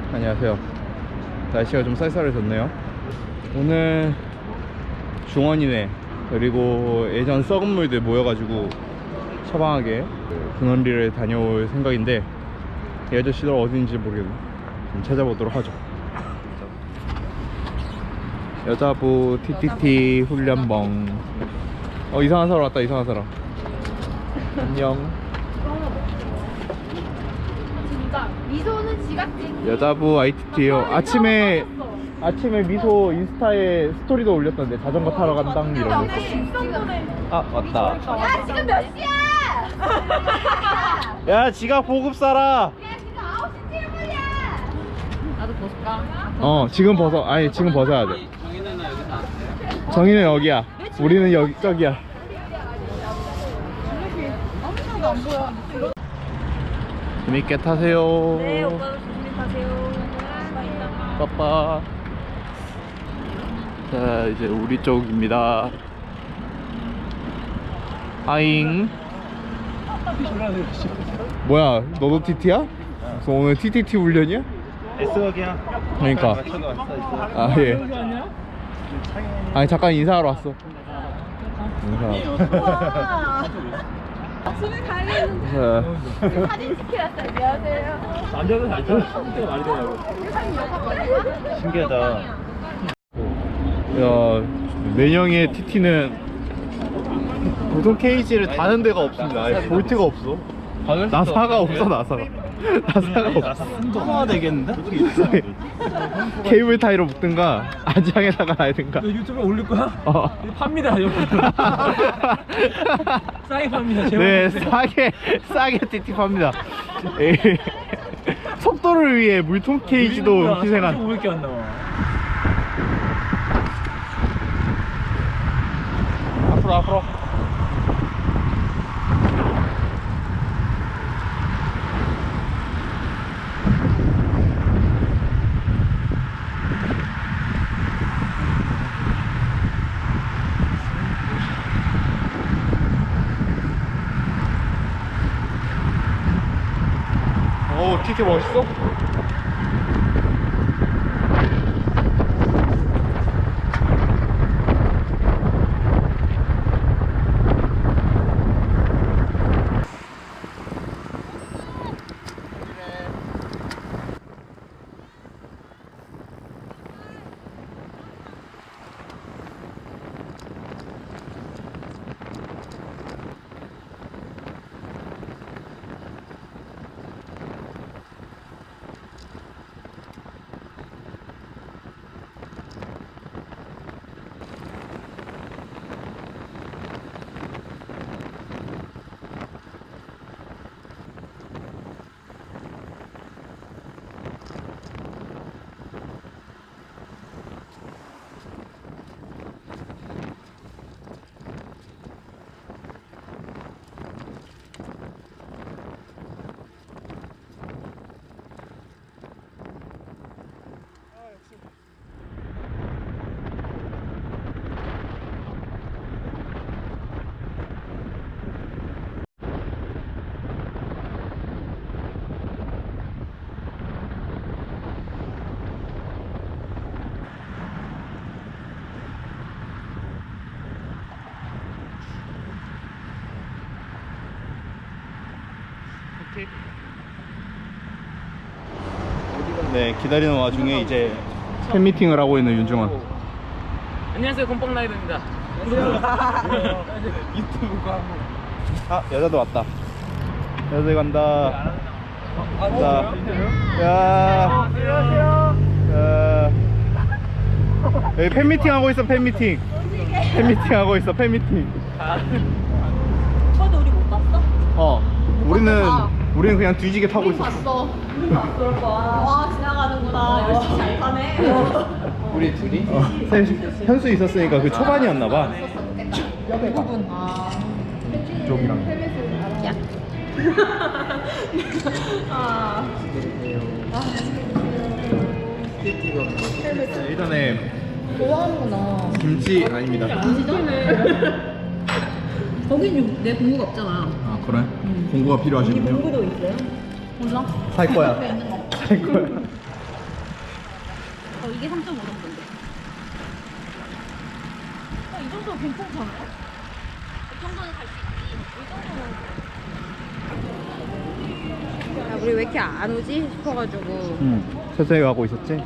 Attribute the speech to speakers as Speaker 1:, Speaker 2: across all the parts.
Speaker 1: 안녕하세요. 날씨가 좀 쌀쌀해졌네요. 오늘 중원이네 그리고 예전 썩은 물들 모여가지고 처방하게 군원리를 다녀올 생각인데 이 아저씨들 어딘지 모르겠네. 좀 찾아보도록 하죠. 여자부 TTT 훈련봉. 이상한 사람 왔다. 이상한 사람. 안녕.
Speaker 2: 진짜 미소는 지각지.
Speaker 1: 여자부 ITT요. 아침에 미소 인스타에 스토리도 올렸던데 자전거 타러 간당 이런 거. 아 왔다.
Speaker 2: 야 지금 몇 시야?
Speaker 1: 야 지각 보급 사라.
Speaker 2: 야 지금 9시 7분이야. 나도 벗을까?
Speaker 1: 지금 벗어. 아니 지금 벗어야 돼. 정희는 여기야. 우리는 여기 저기야.
Speaker 2: 아무도 안 보여.
Speaker 1: 재밌게 타세요.
Speaker 2: 네 오빠도 조심히 타세요.
Speaker 1: 빠빠. 자 이제 우리 쪽입니다. 아잉. 뭐야 너도 TT야? 그래서 오늘 TTT 훈련이야?
Speaker 3: S역이야.
Speaker 1: 그러니까. 아 예. 아니 잠깐 인사하러 왔어. 인사.
Speaker 2: 집에 가야겠는데.
Speaker 1: 자,
Speaker 2: 사진 찍히러 왔어요. 안녕하세요.
Speaker 3: 남자들 잘 타는 때가 많이 되냐고. 신기하다.
Speaker 1: 야 내년에 TT는 보통 케이지를 다는 데가 없습니다. 아예 볼트가 없어. 나사가 없어. 나사가 없어.
Speaker 3: 통화가 되겠는데?
Speaker 1: 케이블 타이로 묶든가 안장에다가 놔야든가.
Speaker 3: 너 유튜브에 올릴 거야?
Speaker 1: 어.
Speaker 3: 팝니다 여러분. 싸게 팝니다.
Speaker 1: 네 싸게 TT 팝니다. 예. 속도를 위해 물통 케이지도 희생한.
Speaker 3: 500개 안 나와.
Speaker 1: 앞으로. 오, TT 멋있어? 네, 기다리는 와중에 이제 팬미팅을 하고 있는 윤중원.
Speaker 3: 안녕하세요 곰팡라이더입니다.
Speaker 1: 유튜브 광고. 아, 여자도 왔다. 여자 간다. 간다. 야. 안녕하세요. 여기 팬미팅 하고 있어. 팬미팅 하고 있어. 팬미팅.
Speaker 2: 오빠도 우리 못 봤어?
Speaker 1: 우리는 그냥 뒤지게 타고 있었어.
Speaker 2: 봤어. 와 지나가는구나. 열심히 잘 타네.
Speaker 3: 우리 둘이?
Speaker 1: 현수 있었으니까 그 초반이었나봐.
Speaker 2: 대부분.
Speaker 1: 쪽이랑. 예전에
Speaker 2: 좋아하는구나.
Speaker 1: 김치 아닙니다.
Speaker 2: 거긴 내 공부가 없잖아.
Speaker 1: 아 그래? 공구가 필요하시군요.
Speaker 2: 공부도 있어요? 몰라.
Speaker 1: 살 거야. 살 거야.
Speaker 2: 괜찮잖아. 이 정도는 갈 수 있지. 이 정도는. 야, 우리 왜 이렇게 안 오지 싶어가지고.
Speaker 1: 천천히 가고 있었지?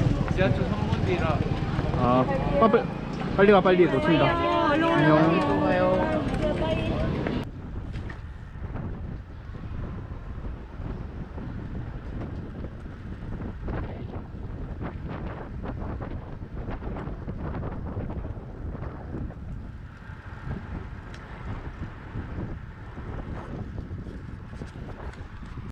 Speaker 3: 지하철 3분 뒤라.
Speaker 1: 아, 빨리 가, 빨리 놓친다. 안녕.